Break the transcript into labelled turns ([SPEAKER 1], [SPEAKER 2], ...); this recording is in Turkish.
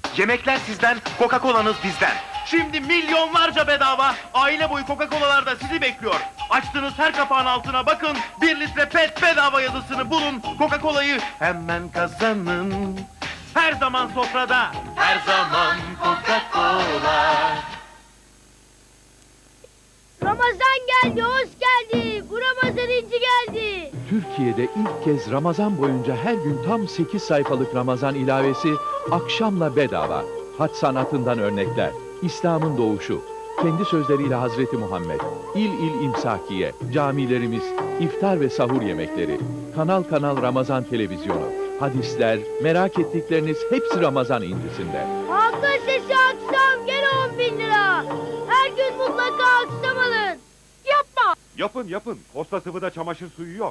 [SPEAKER 1] Yemekler sizden, Coca-Cola'nız bizden. Şimdi milyonlarca bedava aile boyu Coca-Cola'lar da sizi bekliyor. Açtığınız her kapağın altına bakın, 1 litre pet bedava yazısını bulun. Coca-Cola'yı hemen kazanın. Her zaman sofrada, her zaman Coca-Cola.
[SPEAKER 2] Ramazan geldi, hoş geldi. Bu Ramazan inci geldi.
[SPEAKER 3] Türkiye'de ilk kez Ramazan boyunca her gün tam 8 sayfalık Ramazan ilavesi akşamla bedava. Hac sanatından örnekler, İslam'ın doğuşu, kendi sözleriyle Hazreti Muhammed, il il imsakiye, camilerimiz, iftar ve sahur yemekleri, kanal kanal Ramazan televizyonu, hadisler, merak ettikleriniz hepsi Ramazan incisinde.
[SPEAKER 2] Halkın sesi aksam gene 10.000 lira. Her gün mutlaka aksam alın. Yapma.
[SPEAKER 4] Yapın yapın. Kosta sıvıda çamaşır suyu yok.